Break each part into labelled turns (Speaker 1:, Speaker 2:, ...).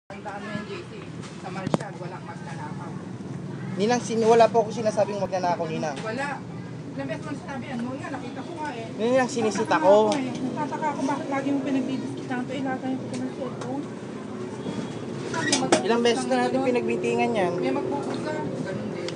Speaker 1: Tandaan mo yung JC, sa Marshall, walang magnanakaw.
Speaker 2: Ninang, wala po ako sinasabing magnanakaw, Ninang.
Speaker 1: Wala. Ilang beses mo nasabi, ano nga, nakita ko nga eh.
Speaker 2: Ninang, sinisita ko.
Speaker 1: Tataka ako bakit lagi mo pinagdidiskitan ito, ilagay ko ng cellphone.
Speaker 2: Ilang beses na natin pinagbintingan yan.
Speaker 1: May magpupusa, ganun din.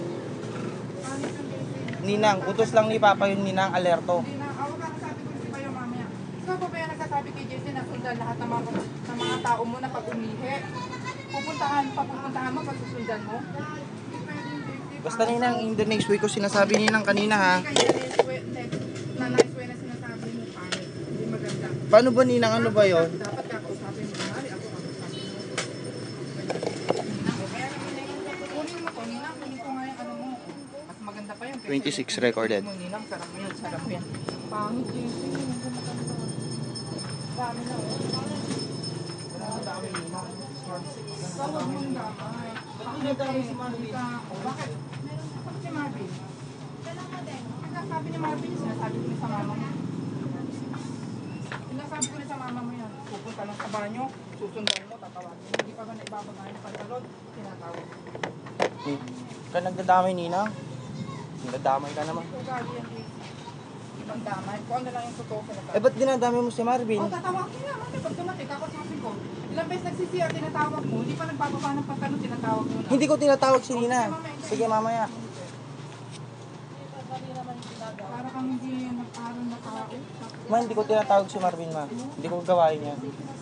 Speaker 2: Ninang, utos lang ni Papa yun, Ninang, alerto.
Speaker 1: Hindi na, ako ka nasabi ko si Bayo mamaya. Ikaw pa ba yung nagsasabi kay JC na sundan lahat ng mga tao mo na pag umihi? Pupuntahan mo pag susundan mo?
Speaker 2: Basta Ninang, in the next week ko sinasabi Ninang kanina ha.
Speaker 1: Hindi kaya na nice way na sinasabi mo, pangit. Hindi maganda.
Speaker 2: Paano ba Ninang, ano ba yun?
Speaker 1: Dapat kakausapin mo. Mali ako kakausapin mo. Kunin mo to, Ninang. Kunin ko nga yung ano mo. Mas maganda pa yun.
Speaker 2: 26 recorded.
Speaker 1: Ninang, sarap mo yun. Sarap mo yan. Pangit yun. Hindi maganda. Dami na. Dami Ninang. Tawag mo yung damay. Bakit? Bakit si Marvin? Sinasabi ni Marvin, sinasabi ko sa mama mo. Sinasabi ko sa mama mo yan. Pupunta lang sa banyo, susundan mo, tatawagin mo. Hindi pa ba naibabagay ng pantalon, tinatawag.
Speaker 2: Ka nagdadamay Ninang? Nagdadamay ka naman.
Speaker 1: Ugali yan, ibang damay. Kung ano lang yung totoo sinasabi.
Speaker 2: Eh ba't dinadamay mo si Marvin?
Speaker 1: O, tatawagin nga, mami. Pag dumating, kakasapin ko. Ilang beses nagsisiya, tinatawag mo. Hindi pa nagbababa ng pantalon, tinatawag mo na.
Speaker 2: Hindi ko tinatawag si Ninang. Sige mamaya.
Speaker 1: Para kang hindi nagparang na tao.
Speaker 2: Ma, hindi ko tinatawag si Marvin, ma. Hindi ko gawain yan.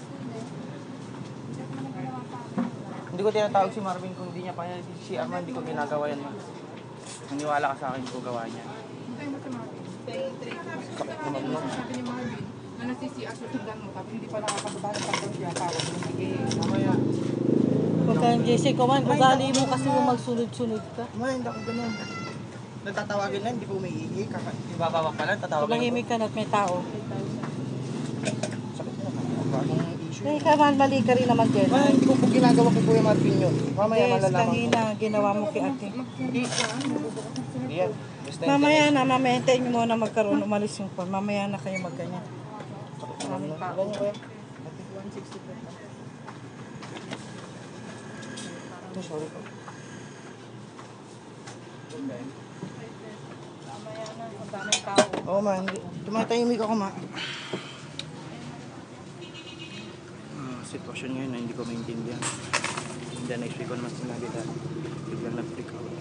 Speaker 2: Hindi ko tinatawag si Marvin kung hindi niya pa yan. Si Arma, hindi ko ginagawa yan, ma. Maniwala ka sa akin, hindi ko gawain yan.
Speaker 1: Hintay mo si Marvin.
Speaker 2: Sakit naman, ma.
Speaker 1: Sabi ni Marvin, na nagsisiya, susundan mo. Tapos hindi pa nakakababa ng pantalon, tinatawag mo. Sige, mamaya.
Speaker 3: Huwag kang JC, kuman, ugali mo kasi mo magsunod-sunod ka.
Speaker 2: Ma, hindi ako ganun. Nagtatawagin lang, hindi ko umiihi. Ibabawak pa lang, tatawagin ko.
Speaker 3: Tumahimik ka na at may tao.
Speaker 2: Sakit naman. Bagong issue.
Speaker 3: Kaya ka man, mali ka rin naman din.
Speaker 2: Ma, hindi ko po ginagawa kay Kuya Marvin yun. Mamaya
Speaker 3: Yes,
Speaker 2: malalaman ko.
Speaker 3: kanina, ginawa mo kay ate.
Speaker 2: Hindi. Hindi yan. Basta
Speaker 3: Mamaya na, mamaya hintayin nyo muna magkaroon, umalis yung phone. Mamaya na kayo magganyan.
Speaker 2: Maraming tao. Ganyan ko yan.
Speaker 1: 160 per
Speaker 2: Ito, sorry po.
Speaker 1: Mamaya na, ang daming tao.
Speaker 2: Oo, ma. Tumatahimik ako, ma. Sitwasyon ngayon na hindi ko maintindihan. Hindi na next week ko naman sinabi dahil biglang nag-freak out.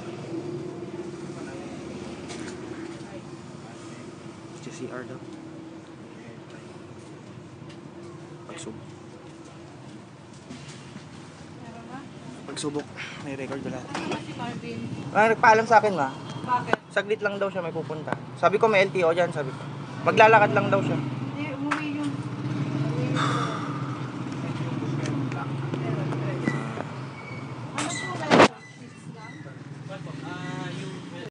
Speaker 2: CR daw. Pagsubok. Pagsubok. May record ba lahat?
Speaker 1: Si Marvin,
Speaker 2: Nagpaalam sa akin, ma.
Speaker 1: bakit?
Speaker 2: Saglit lang daw siya may pupunta. Sabi ko may LTO dyan, sabi ko. Maglalakad lang daw siya.